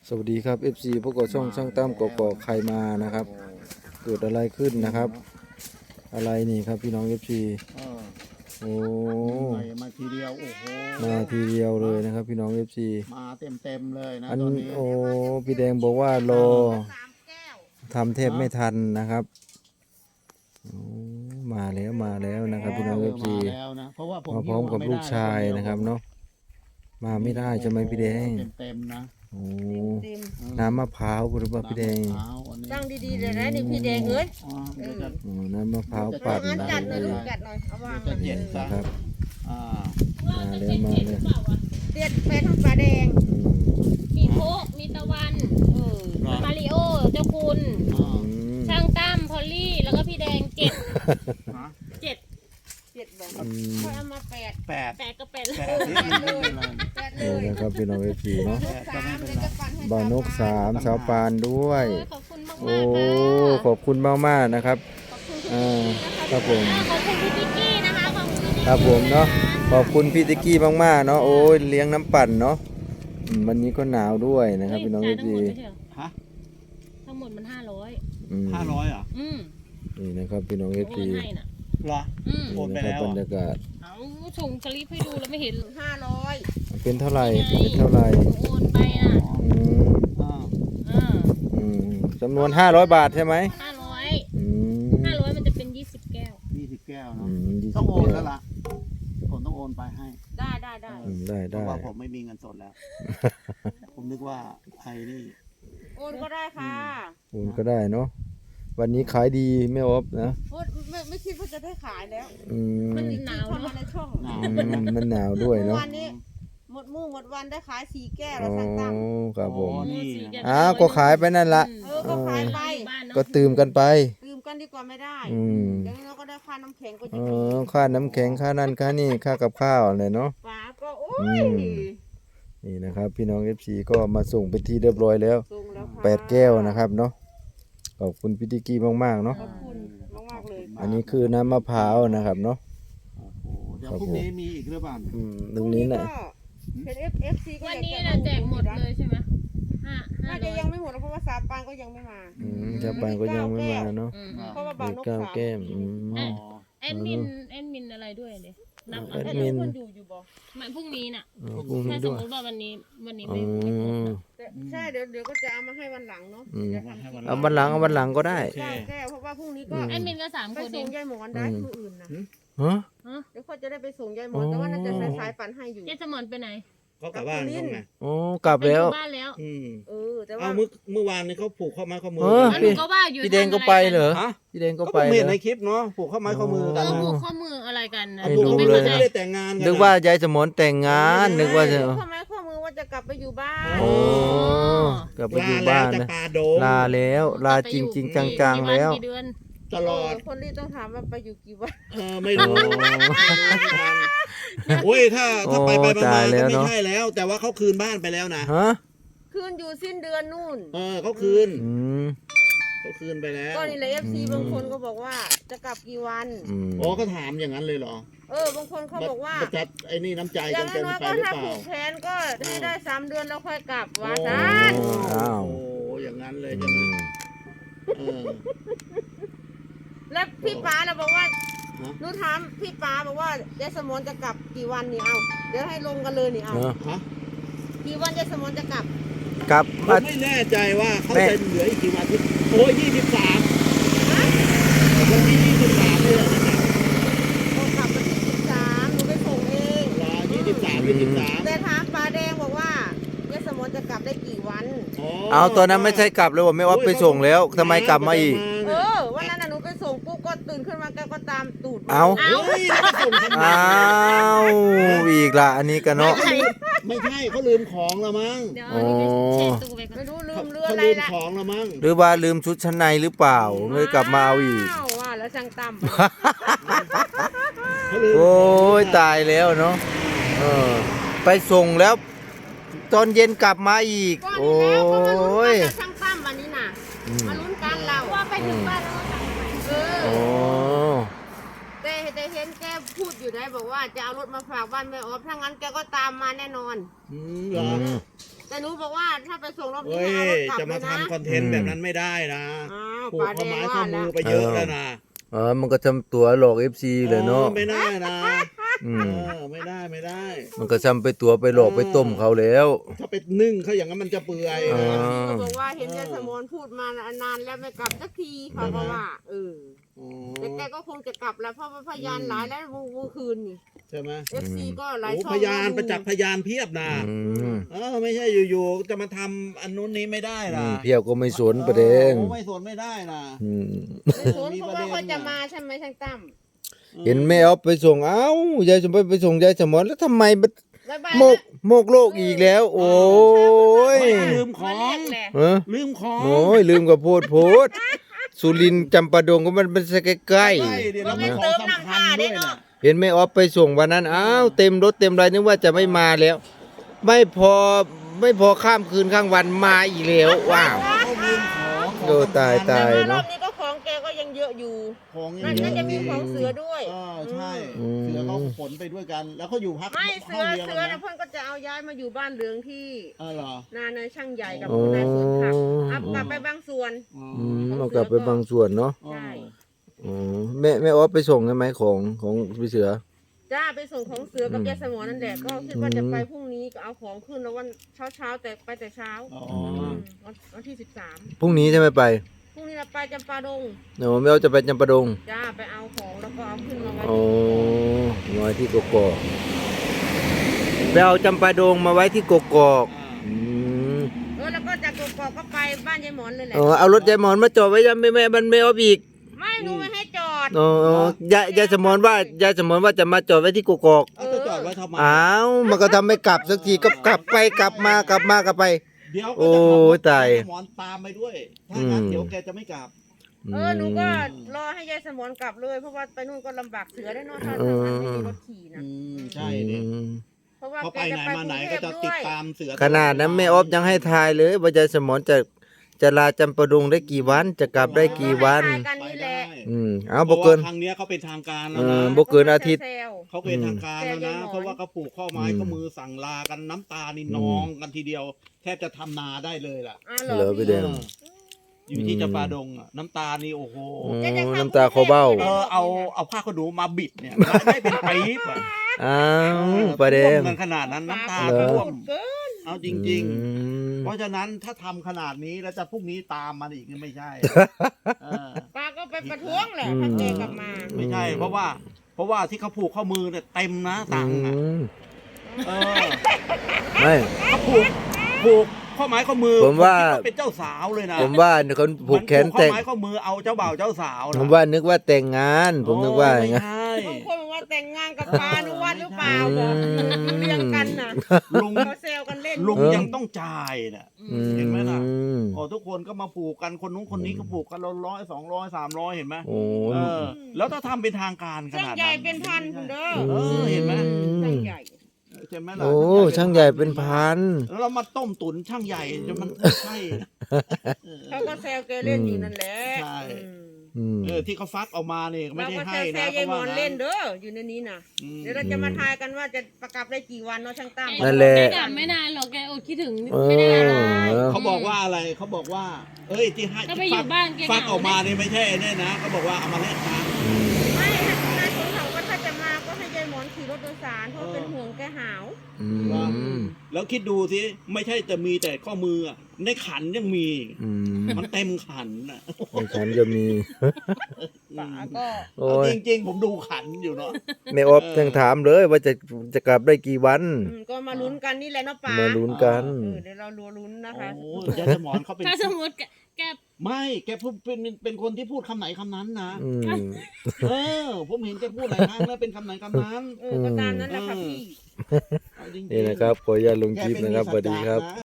สวัสดีครับ FC พวกเราช่องช่างตั้มกอกใครมานะครับเกิดอะไรขึ้นนะครับอะไรนี่ครับพี่น้อง FC โอ้มาทีเดียวโอ้โหมาทีเดียวเลยนะครับพี่น้อง FC มาเต็มเลยนะอันตอนนี้โอ้พี่แดงบอกว่ารอทำเทพไม่ทันนะครับโอ้มาแล้วนะครับพี่น้อง FC มาแล้วนะเพราะว่าผมมาพร้อมกับลูกชายนะครับเนาะมาไม่ได้ใช่ไหมพี่แดงเต็มนะโอ้น้ำมะพร้าวหรือเปล่าพี่แดงตั้งดีๆเลยนะนี่พี่แดงเอ้ยน้ำมะพร้าวปั่นงั้นนะกัดหน่อยลูกกัดหน่อยเอาวางหน่อยนะครับมาเลยเด็ดเป็นทั้งปลาแดงมีโคกมีตะวันมาริโอ เจ้าคุณ ช่างตั้มพอลลี่ แล้วก็พี่แดงเจ็ดเจ็ดแบบค่อยเอามาแปดก็แปดเลยนี่นะครับพี่น้องFCเนาะ 3เดี๋ยวจะปั่นให้บ่าวนก3สาวปานด้วยขอบคุณมากโอ้ๆขอบคุณมากๆนะครับครับผมขอบคุณพี่ติ๊กกี้นะคะขอบคุณพี่ครับผมเนาะขอบคุณพี่ติ๊กกี้มากๆเนาะโอ้ยเลี้ยงน้ำปั่นเนาะวันนี้ก็หนาวด้วยนะครับพี่น้อง FC ทั้งหมดมัน500 500เหรอนี่นะครับพี่น้อง FC เหรอโอนไปแล้วบรรยากาศเอาส่งสลิปให้ดูแล้วไม่เห็น 500 เป็นเท่าไหร่เป็นเท่าไหร่โอนไปอ่ะจำนวน500 บาทใช่ไหม 500มันจะเป็น20 แก้ว 20 แก้วเนาะต้องโอนแล้วล่ะผมต้องโอนไปให้ได้เพราะว่าผมไม่มีเงินสดแล้วผมนึกว่าไอ้นี่โอนก็ได้ค่ะโอนก็ได้เนาะวันนี้ขายดีไม่ออฟนะไม่คิดว่าจะได้ขายแล้วมันหนาวเข้ามาในช่องมันหนาวด้วยเนาะวันนี้หมดวันได้ขาย4 แก้วแล้วสั่งตั้งครับผมนี่ก็ขายไปนั่นละก็ขายไปก็ตื่มกันไปตื่มกันดีกว่าไม่ได้เดี๋ยวเราก็ได้ค่าน้ำแข็งก็จะค่าน้ำแข็งค่านั่นค่านี่ค่ากับข้าวอะไรเนาะป้าก็โอ้ยนี่นะครับพี่น้อง FC ก็มาส่งเป็นที่เรียบร้อยแล้ว8 แก้วนะครับเนาะขอบคุณพี่ติ๊กกี้มากๆเนาะขอบคุณมากๆเลยอันนี้คือน้ำมะพร้าวนะครับเนาะเดี๋ยวพรุ่งนี้มีอีกหรือเปล่าตรงนี้น่ะเป็น FC ก็วันนี้เราแจกหมดเลยใช่ไหมน่าจะยังไม่หมดเพราะว่าสาปานก็ยังไม่มาสาปานก็ยังไม่มาเนาะเพราะว่าบ่าวนก 3 แก้วแอดมินอะไรด้วยเดี๋ยวนับแอดมินคนอยู่บ่มันพรุ่งนี้น่ะถ้าสมมติว่าวันนี้ไม่ใช่เดี๋ยวก็จะเอามาให้วันหลังเนาะเอาวันหลังก็ได้แก้วเพราะว่าพรุ่งนี้ก็แอดมินก็3 คนไปส่งยายหมอนได้ผู้อื่นนะเดี๋ยวเขาจะได้ไปส่งยายหมอนแต่ว่าน่าจะสายปั่นให้อยู่ยายสมอนไปไหนเขากลับบ้านเขาไงโอ้กลับแล้วบ้านแล้วแต่ว่าเมื่อวานนี้เขาผูกข้อไม้ข้อมือพี่แดงก็ไปเหรอพี่แดงก็ไปเห็นในคลิปเนาะผูกข้อไม้ข้อมือกันผูกข้อมืออะไรกันนะไม่รู้เลยไม่ได้แต่งงานนึกว่ายายสมนแต่งงานนึกว่าจะข้อไม้ข้อมือว่าจะกลับไปอยู่บ้านกลับไปอยู่บ้านนะลาแล้วลาจริงๆจังๆแล้วตลอดคนรีต้องถามว่าไปอยู่กี่วันไม่รู้โอ้ยถ้าไปมาก็ไม่ใช่แล้วแต่ว่าเขาคืนบ้านไปแล้วนะคืนอยู่สิ้นเดือนนู่นเขาคืนไปแล้วก็นี่แหละ FC บางคนก็บอกว่าจะกลับกี่วันก็ถามอย่างนั้นเลยเหรบางคนเขาบอกว่าจัดไอ้นี่น้ำใจกันเกินไปหรือเปล่าถ้าผูกแขนก็ให้ได้3 เดือนแล้วค่อยกลับว่าซะโอ้อย่างนั้นเลยจังแล้วพี่ป๋าเราบอกว่าหนูถามพี่ป๋าบอกว่ายายสมนจะกลับกี่วันนี่เอาเดี๋ยวให้ลงกันเลยนี่เอากี่วันยายสมนจะกลับไม่แน่ใจว่าเขาจะเหลืออีกกี่วันโอ้ย23วันที่23เลยนะครับกลับวันที่23หนูไปส่งเอง 23 แต่ถามป๋าแดงบอกว่ายายสมนจะกลับได้กี่วันเอาตอนนั้นไม่ใช่กลับเลยว่าไม่ว่าไปส่งแล้วทำไมกลับมาอีกวันนั้นหนูไปส่งปุ๊บก็ตื่นขึ้นมาแกก็ตามตูดเอาอีกละอันนี้กันเนาะไม่ใช่เขาลืมของละมั้งไม่รู้ลืมเรื่องอะไรละของละมั้งหรือว่าลืมชุดชั้นในหรือเปล่าเลยกลับมาเอาอีกว่าแล้วช่างตั้มโอ้ยตายแล้วเนาะไปส่งแล้วตอนเย็นกลับมาอีกโอ้ยช่างตั้มวันนี้น่ะมาลุ้นกันเราว่าไปถึงบ้านแล้วแต่เห็นแกพูดอยู่ได้บอกว่าจะเอารถมาฝากบ้านแม่ออฟถ้างั้นแกก็ตามมาแน่นอนเหรอแแต่หนูบอกว่าถ้าไปส่งรอบนี้เฮ้ยเอารถกลับจะเลมายนะทำคอนเทนต์แบบนั้นไม่ได้นะอ้าวผูกป้าแดข้อง ไม้ว่าข้อมืแล้อวไปเยอะแล้วนะมันก็ทำตัวหลอก FC เลยเนาะไม่ได้นะอืมไม่ได้ไม่ได้มันก็ทำไปตัวไปหลอกไปต้มเขาแล้วถ้าไปนึ่งเขาอย่างนั้นมันจะเปื่อยอ๋อเขาบอกว่าเห็นยายสมนพูดมานานแล้วไม่กลับสักทีเขาก็ว่าแต่แกก็คงจะกลับแล้วเพราะว่าพยานหลายแล้วเมื่อคืนนี่ใช่ไหม FC ก็หลายโอ้ช่องพยานประจักษ์พยานเพียบนะอืมไม่ใช่อยู่ๆจะมาทำอันนู้นนี้ไม่ได้นะเพียวก็ไม่สนประเด็นโอ้ไม่สนไม่ได้นะอืมไม่สนเพราะว่าเขาจะมาใช่ไหมช่างตั้มเห็นแม่เอาไปส่งเอ้ายายสมบัติไปส่งยายสมอนแล้วทำไมมันบ๊ายบายโมกโมกโลกอีกแล้ว โอ้ยลืมขมาอเรียงกแหละเออลืมของโอ้ยลืมกับโพดสุรินทร์จำปาดงก็มันเป็นใกล้ใกล้เดี๋ยวเราไม่ของสำคัญด้วยนะๆเห็นแม่ออฟไปส่งวันนั้นอ้าวเต็มรถเต็มไรนึกว่าจะไม่มาแล้ว ไม่พอข้ามคืนข้างวันมาอีกแล้วว้าวเขาลืมของโอ้ตายแต่ว่ารอเนาะบนี้ก็ของแกก็ยังเยอะอยู่ของน่าเยอะจะมีของเสือด้วยใช่อืมเสือเขาขนไปด้วยกัน แล้วเขาอยู่พักไม่เสืห้อองเดียวเสืกัอนนะนะเพื่อนก็จะเอาย้ายมาอยู่บ้านเหลืองที่เหรอนายช่างใหญ่กับอ๋อนายสวนผักอัพกลับไปบางส่วนเอากลับไปบางส่วนเนาะใช่อ๋อแม่ออฟไปส่งใช่ไหมของพี่เสือจ้าไปส่งของเสือกับยายสมอนั่นแหละก็คิดว่าจะไปพรุ่งนี้ก็เอาของขึ้นแล้ววันเช้าแต่ไปแต่เช้าอ๋อวันที่พรุ่งนี้ใช่ไหมไป 13พรุ่งนี้เราไปจำปาดงเนาะแม่ออฟจะไปจำปาดงจ้าไปเอาของแล้วก็เอาขึ้นมาไว้อ๋อไว้ที่กกอกไปเอาจำปาดงมาไว้ที่กกอกอืมแล้วก็จากกอกก็ไปบ้านยายหมอนเลยแหละอ๋อเอารถยายหมอนมาจอดไว้ยังแม่มันไม่ออฟอีกไม่หนูไม่ให้จอดอ๋อยายสมอนว่าจะมาจอดไว้ที่กกอกเอาจะจอดไว้ทำไมอ้าวมันก็ทำไม่กลับสักทีก็กลับไปกลับมากลับไปเดี๋ยวโอ้ยตายหมอนตามไปด้วย ถ้างั้นเดี๋ยวแกจะไม่กลับหนูก็รอให้ยายสมอนกลับเลยเพราะว่าไปนู่นก็ลำบากเสือได้เนอะถ้าทางนั้นไม่มีรถขี่นะใช่เนี่ยเพราะว่าเขาแกไปจะไหนไปมาก ไหนรุงเทก็พจะด้ติวดยตามเสือขนาดนั้นแม่ออฟยังให้ทายเลยว่ายายสมอนจะลาจำปาดงได้กี่วันจะกลับได้กี่วันก็ให้ทายกันไปนี่แหได้ละเอาบ่เกินพราะว่าครั้งเนี้ยเขาเป็นทางการแล้วเอนะอบ่เกินอาทิตย์แซวเขาเป็นทางการแล้วนะแกยังหมอนเพราะว่าเขาผูกข้อไม้ข้อมือสั่งลากันน้ำตานี่นองกันทีเดียว แทบจะทำนาได้เลยล่ะเหรอพี่แดงอยู่ที่จำปาดงอะน้ำตานี่โอ้โหน้ำตาคอเบ้าเอาผ้าขนหนูมาบิดเนี่ยได้เป็นปี๊บอะอ้าวประเด็ท่วน มกันขนาดนั้นน้ำตาเหรอท่วมเกินเอาจริงๆๆ เพราะฉะนั้นถ้าทำขนาดนี้แล้วจะพรุ่งนี้ตามมันอีกนี่ไม่ใช่เออป้าก็ไปประท้วงแหละถ้าแกกลับมาไม่ใช่ เพราะว่าที่เขาผูกข้อมือเนี่ยเต็มนะสั่งอ่ะเออไม่เขาผูกข้อไม้ข้อมือผมว่าคิดเป็นเจ้าสาวเลยนะผมว่าคนผูกแขนมัแต่งข้อไม้ข้อมือเอาเจ้าบ่าวเจ้าสาวนะผมว่านึกว่าแต่งงาน ผมนึกว่าอย่างไม่นั้นใช่บางคนบอกว่าแต่งงานกับปานุวัฒน์หรือเปล่าบอกอยู่เรียงกันน่ะลุงเขาแซวกันเล่นลุงยังต้องจ่ายน่ะ เห็นไหมล่ะ โอ้ทุกคนก็มาผูกกันคนนู้นคนนี้ก็ผูกกัน100 200 300เห็นไหมโอ้เออ แล้วถ้าทำเป็นทางการขช่างนาดใหญ่นั้นเป็นพันคุณเด้อเห็นไหมช่างใหญ่ใช่ไหมล่ะโอ้ช่างใหญ่เป็นพันแล้วเรามาต้มตุ๋นช่างใหญ่จนมันใช่นะเขาก็แซวแกเล่นอยู่นั่นแหละใช่อืมที่เขาฟักออกมาเนี่ยไม่เราได้ก็ให้แซนะวยายหมอนขาว่าเล่นเด้ออยู่ในนี้น่ะอืมเดี๋ยวเราจะมาทายกันว่าจะประกาศได้กี่วันเนาะช่างตั้มนั่นแหละแกกลับไม่นานหรอกแกอดคิดถึงเอไม่ได้อหรอกเขาบอกว่าอะไรเขาบอกว่า เอ้ยที่ให้ก็ไปอยู่บ้านแกฟักเหงาออกมานี่ไม่ใช่เนี่ยนะเขาบอกว่าเอามาแลกตังค์ไม่นายสนเขาก็ถ้าจะมาก็ให้ยายหมอนขี่รถโดยสารเพราะเป็นห่วงแกหาวอืมแล้วคิดดูสิไม่ใช่จะมีแต่ข้อมืออะในขันยังมีอืมมันเต็มขันน่ะในฉันจะมีป๋าก็โอ้เอายจริงๆผมดูขันอยู่เนาะแม่ออฟยังถามเลยว่าจะกลับได้กี่วันก็มาลุ้นกันนี่แหละเนาะป๋ามาลุ้นกันเดี๋ยวเราลุ้นนะคะโอ้ยายสมอนเขาเป็นถ้าสมมติแกไม่แกพูดเป็นคนที่พูดคำไหนคำนั้นนะอืมผมเห็นแกพูดหลายครั้งแล้วเป็นคำไหนคำนั้นก็ตามนั้นแหละค่ะพี่เอาจริงๆนี่นะครับขออนุญาตลงคลิปนะครับสวัสดีครับแกเป็นมีสัจจะนะ